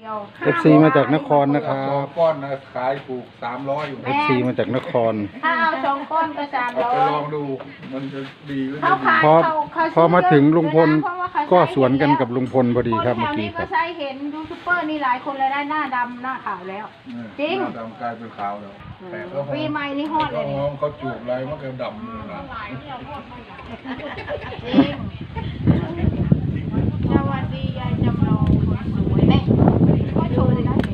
FC มาจากนครนะครับก้อนนะขายถูก300อยู่ FC มาจากนครถ้าเอา2 ก้อนก็เอาไปลองดูมันจะดีหรือไม่เขาดีขายพอมาถึงลุงพลเพราะว่าเขาก็สวนกันกับลุงพลพอดีครับนเมื่อแถวกี้นี้คก็รับใช้เห็นยูทูบเบอร์นี่หลายคนเลยได้หน้าดำหน้าขาวแล้ว จริงหน้าดำกลายเป็นขาวแล้วแต่ก็หอมปีใหม่นี่ฮอดเลยนี่หอมเขาจูบอะไรมันก็ดำเลยนะจริงสวัสดียายจำลองคนสวยแม่ก็โชว์เลยนะ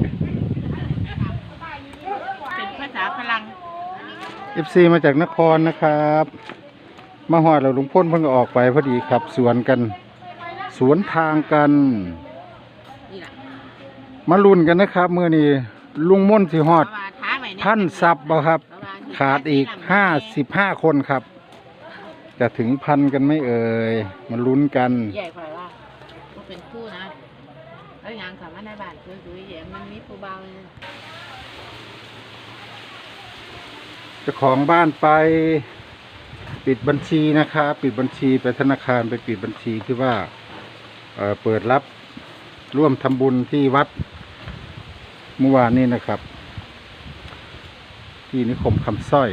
เป็นภาษาพลัง FC มาจากนครนะครับ มาฮอดแล้วลุงพลเพิ่งก็ออกไปพอดีครับ สวนกัน สวนทางกัน มาลุ้นกันนะครับมื้อนี้ลุงม่นสิฮอดพันซับบ่ครับ ขาดอีก55 คนครับ จะถึงพันกันไหม่เอ่ยมาลุ้นกันใหญ่กว่าว่าเป็นคู่นะแล้วยังสามารถในบ้านคือแย่มันมีผู้เบาเลยเจ้าของบ้านไปปิดบัญชีนะครับปิดบัญชีไปธนาคารไปปิดบัญชีที่ว่าเปิดรับร่วมทำบุญที่วัดเมื่อวานนี้นะครับ ที่นิคมคำสร้อย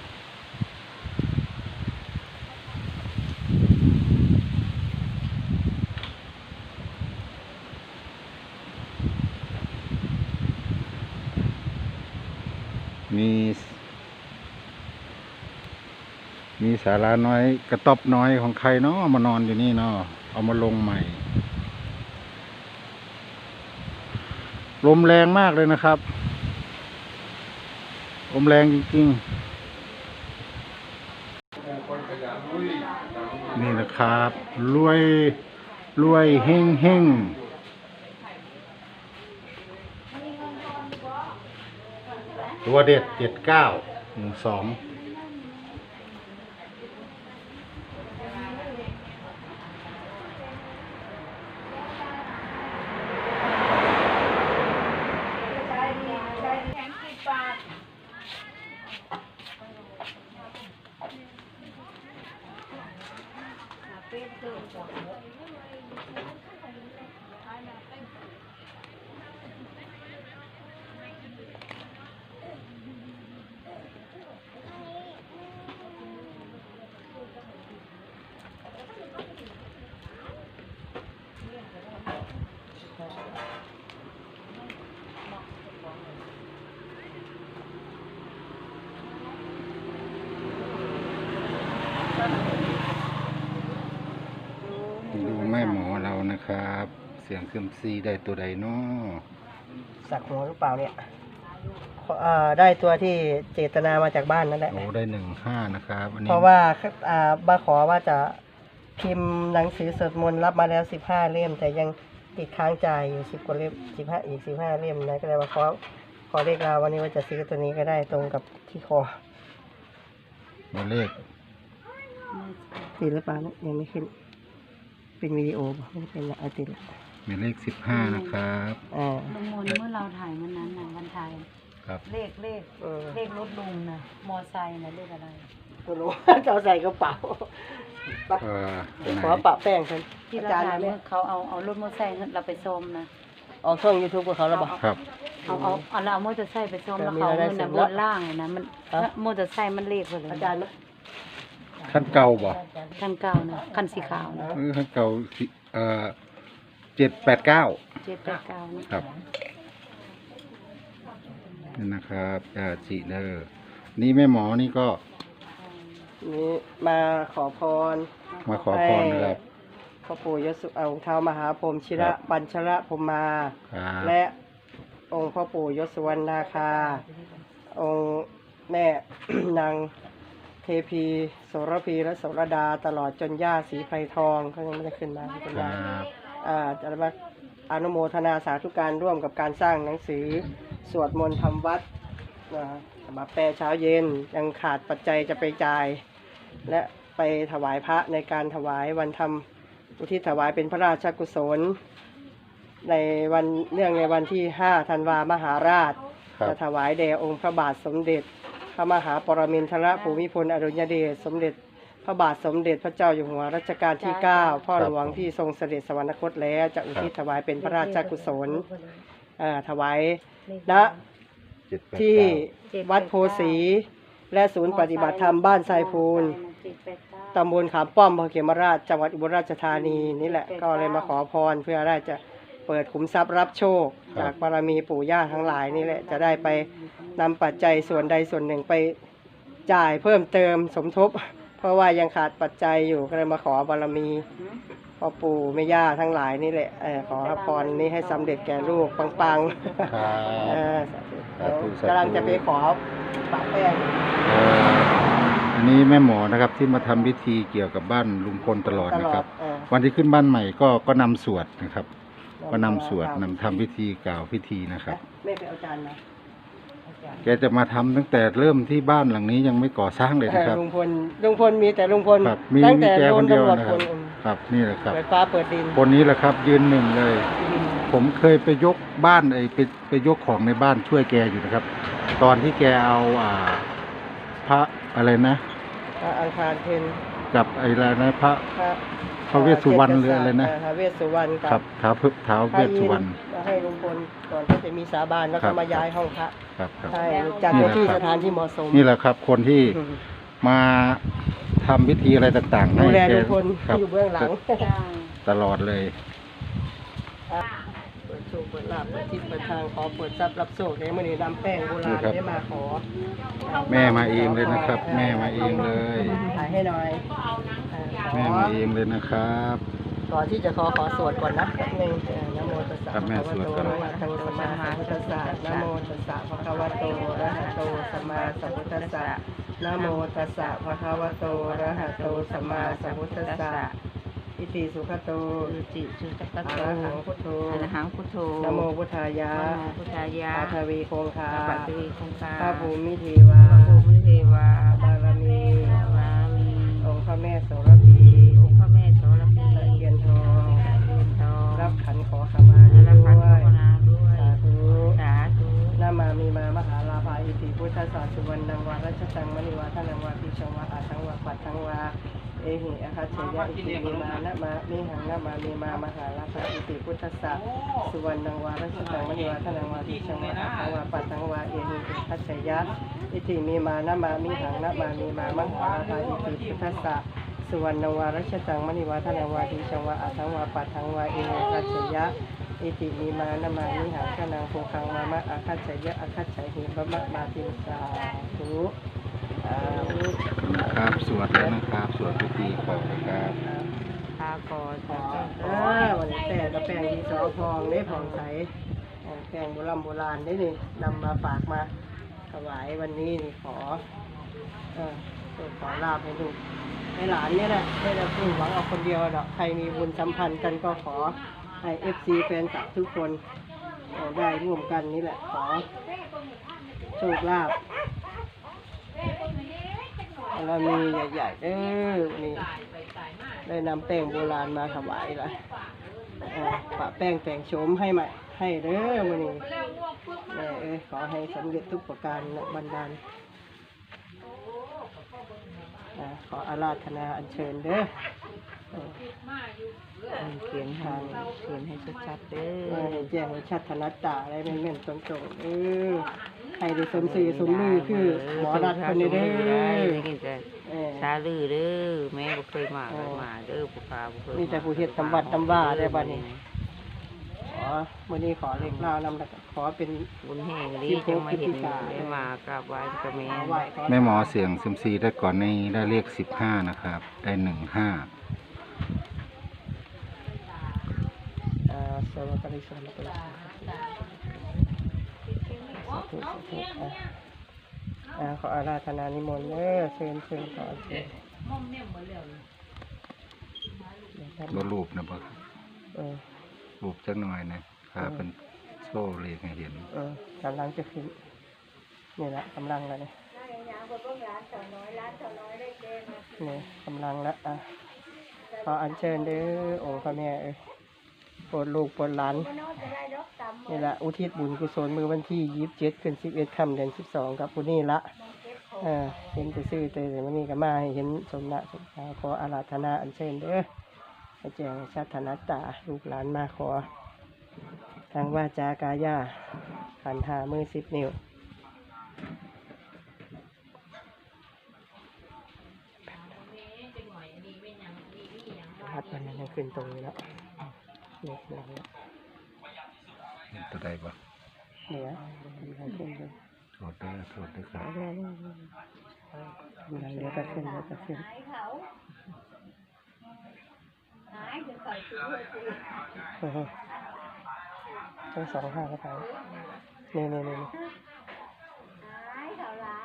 มีศาลาน้อยกระต๊อบน้อยของใครเนาะมานอนอยู่นี่เนาะเอามาลงใหม่ลมแรงมากเลยนะครับลมแรงจริงๆนี่นะครับรวยเฮงตัวเด็ด7912ดูแม่หมอเรานะครับ เสียงซึมซีได้ตัวใดเนาะสักหัวหรือเปล่าเนี่ยได้ตัวที่เจตนามาจากบ้านนั่นแหละโอ้ได้15นะครับอันนี้เพราะว่ามาขอว่าจะพิมพ์หนังสือสวดมนต์รับมาแล้ว15 เล่มแต่ยังติดค้างจ่ายอยู่10 กว่าเล่ม15 อีก15 เล่มนะก็เลยมาขอเลขเราวันนี้ว่าจะซื้อตัวนี้ก็ได้ตรงกับที่ขอตัวเลขติดหรือเปล่าเนี่ยยังไม่ขึ้นเป็นวิดีโอป่ะไม่ได้เป็นละติดละมีเลข15นะครับลุงมนเมื่อเราถ่ายวันนั้นนะวันถ่ายครับเลขรถลุงนะมอไซค์นะเลขอะไรไม่รู้ จะเอาใส่กระเป๋าตัวไหนขอปะแป้งกันที่อาเราจารย์ถ่ายเนี่เมื่อเขาเอารถมอไซค์เราไปส้มนะออกช่อง YouTube กับเขาแล้วป่ะครับเอามอเตอร์ไซค์ไปส้มแล้วเขามีรายได้เงินนะเสริมบนล่างเลยนะมันฮะมอเตอร์ไซค์มันเลขไปเลยอาจารย์นะขั้นเก่าบ่คันเก่านะคันสีขาวนะขั้นเก่า789 789นะครับนี่นะครับจิเลอร์นี่แม่หมอนี่ก็นี่มาขอพรมาขอพรนะครับพ่อปู่ยศเอาเท้ามหาพรหมชิระปัญชระพรหมาครับและองค์พ่อปู่ยศวรรณนาคา องค์แม่ นางเทพีโสระพีและโสระดาตลอดจนย่าศรีไพรทองเขายังไม่ได้ขึ้นมาขึ้นคมารับจะมาอนุโมทนาสาธุการร่วมกับการสร้างหนังสือสวดมนต์ทำวัดมาแปลเช้าเย็นยังขาดปัจจัยจะไปจ่าย และไปถวายพระในการถวายวันทำอุทิศถวายเป็นพระราชกุศล ในวันเนื่องในวันที่5 ธันวามหาราชครับจะถวายแด่องค์พระบาทสมเด็จพระมหาปรมินทรภูมิพลอดุลยเดชสมเด็จพระบาทสมเด็จพระเจ้าอยู่หัวรัชกาลที่ 9 พ่อหลวงที่ทรงเสด็จสวรรคตแล้วจะอุทิศถวายเป็นพระราชกุศลถวายณ 789 ที่วัดโพสีและศูนย์ปฏิบัติธรรมบ้านทรายพูนตำบลขามป้อมอำเภอเขมราชจังหวัดอุบลราชธานีนี่แหละก็เลยมาขอพรเพื่อได้จะเปิดขุมทรัพย์รับโชค จากบารมีปู่ย่าทั้งหลายนี่แหละจะได้ไปนำปัจจัยส่วนใดส่วนหนึ่งไปจ่ายเพิ่มเติมสมทบ เพราะว่ายังขาดปัจจัยอยู่ก็เลยมาขอบารมีพ่อปู่แม่ย่าทั้งหลายนี่แหละขอพรนี้ให้สำเร็จแก่ลูกปังๆครับเดี๋ยวกำลังจะไปขอปะแป้งอันนี้แม่หมอนะครับที่มาทำพิธีเกี่ยวกับบ้านลุงพลตลอดนะครับ วันที่ขึ้นบ้านใหม่ก็นำสวดนะครับ ก็นำสวดนำทำพิธีกล่าวพิธีนะครับแม่ไปเอาจานมาแกจะมาทำตั้งแต่เริ่มที่บ้านหลังนี้ยังไม่ก่อสร้างเลยนะครับลุงพลมีแต่ลุงพลครับมีตั้งแต่แกโดคน นเดียวตำรวจนะคครับ นครับนี่แหละครับเปิดฟ้าเปิดดินคนนี้แหละครับยืนหนึ่งเลย ผมเคยไปยกบ้านไปยกของในบ้านช่วยแกอยู่นะครับ ตอนที่แกเอาพระอะไรนะพระอังคารเพนกับอะไรนะพระ พระเวสสุวรรณหรืออะไรนะพระเวสสุวรรณครับเท้าเวสสุวรรณให้ลุงพลก่อนที่จะมีสาบานแล้วครัก็บมาย้ายห้องพระครับครับใช่จัดในที่สถานที่เหมาะสมนี่แหละครับ คนที่อืมมาทำพิธีอะไรต่างๆดูแลให้ลุงพลครับอยู่เบื้องหลังตลอดเลยเปิดโชคเปิดลาภเปิดทิศเปิดทางขอเปิดทรัพย์รับโชคในมื่อนี้นำแป้งโบราณได้มาขอแม่มาเองเลยนะครับ แม่มาเองเลยถ่ายให้หน่อยแม่มาเองเลยนะครับก่อนที่จะขอสวดก่อนนะแป๊บนึงนะโมตัสสะครับแม่สวดก่อนนะโมตัสสะสัมมาสัมพุทธัสสะนะโมตัสสะภะคะวะโตอะระหะโตสัมมาสัมพุทธัสสะนะโมตัสสะภะคะวะโตอะระหะโตสัมมาสัมพุทธัสสะอิติสุขโตสุจิสุตตะอะโตระหังพุทโธอะระหังพุทโธนะโมพุทธายะนะโมพุทธายะอาทวีโคงคาปัตติคงคาพระภูมิเทวาพระภูมิเทวาบารมีบารมีองค์พระแม่โสระพีองค์พระแม่โสระพีตะเคียนทองตะเคียนทองรับขันขอขมาด้รับขันวภาวย นาด้วยสาธุสาธุนามามีมามหาลาภาอิติพุทธศาสุวรรณังวารัชตังมณีวาทนังวาปิชงวาอาทังวาปัตทังวาเอหิอาคาเชยะอิติมีมานะมามิหังนะมามีมามหาลาภาอิติพุทธศาสุวรรณังวารัชตังมณีวาทนังวาปิชงวาอาทังวาปัตทังวาเอหิอาคาเชยะอิติมีมานะมามิหังนะมามีมามหาลาภาอิติพุทธศาสุวรรณังวารัชตังมณีวาทนังวาปิชงวาอาทังวาปัตทังวาเอหิอาคาเชยะอิติมีมานะมามิหังคะนังโภคังมามะอาคัจฉยะอาคัจฉหิบะมะมาติสาธุสาธุครับสวดแล้วนะครับ สวดพิธีขอนะครับพาก่อนจ้ะวันนี้แต่กระแป้งที่สอทองได้ผ่องใสแป้งโบราณได้นี่นำมาฝากมาถวายวันนี้นี่ขอขอลาบให้ลูกให้หลานเนี่ยแหละไม่ได้พึ่งหวังเอาคนเดียวหรอกใครมีบุญสัมพันธ์กันก็ขอให้FC แฟนคลับทุกคนได้ร่วมกันนี่แหละขอโชคลาภเรามีใหญ่ๆนี่ได้นำแป้งโบราณมาถวายละปะแป้งแต่งโฉมให้ใหม่ให้เด้อวันนี้แม่ขอให้สำเร็จทุกประการและบันดาลขออาราธนาอัญเชิญเด้อเขียนให้ชัดๆเด้อให้แจ้งให้ชัดธนัดตาอะไรแม่นๆตรงๆให้ได้สมสื่อสมมือคือหมอรัฐคนนี้เด้อสาลือเด้อแม่บ่เคยมาเลยมาเด้อผู้ค้าบ่เคยมีแต่ผู้เฮ็ดตำวัดตำว่าได้บัดนี้ขอมื้อนี้ขอเลขล่านำแล้วก็ขอเป็นบุญแห่งนี้จังมาเห็นได้มากราบไหว้กับแม่ขอไหว้ขอแม่หมอเสียงซิมซีได้ก่อนในได้เลข15นะครับ ได้15 สวัสดีสวัสดีสาธุสาธุขออาราธนานิมนต์เด้อเชิญขอเชิญบ่รูปนะบ่เออรูปจักหน่อยนะครับเป็นโซ่เลขให้เห็นกำลังจะขึ้นนี่แหละกำลังแล้วเนี่ยนี่กำลังแล้วขออัญเชิญเด้อองค์พระแม่โปรดลูกโปรดหลานนี่แหละอุทิศบุญกุศลมือวันที่27ขึ้น11ค่ำเดือน12ครับผู้นี้ละเห็นไปซื้อแต่วันนี้ก็มาให้เห็นสมณะสมณะขออาราธนาอัญเชิญเด้อให้แจ้งชัดธนัดตาลูกหลานมาขอททางวาจากายาขันหามือ10 นิ้วพัดมันยังขึ้นตรงนี้แล้วเนี่ยหลังเห็นตัวใดบ่เนี่ยมันขึ้นเลยโทษด้วยครับหลังเดี๋ยวก็ขึ้นเดี๋ยวก็ขึ้นหายเขาหายจะใส่ชุดเลยสิทั้ง2 ข้างก็ไปนี่หายเขาหลาย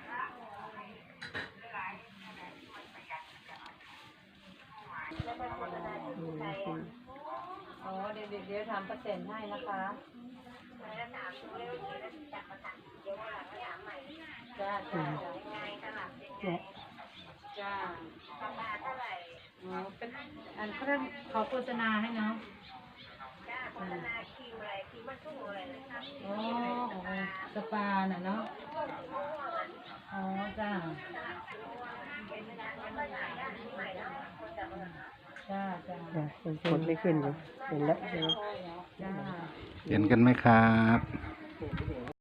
อ๋อเดี๋ยวทำเปอร์เซ็นต์ให้นะคะจ้าจ้าเนี่ยจ้าอ๋อเป็นอันเพื่อนเขาโฆษณาให้เนาะโฆษณาครีมอะไรครีมมันชุ่มอะไรนะครับอ๋อสปาน่ะเนาะอ๋อจ้าจ้าจ้ากดไม่ขึ้นอยู่เห็นแล้วจ้าเห็นกันไหมครับ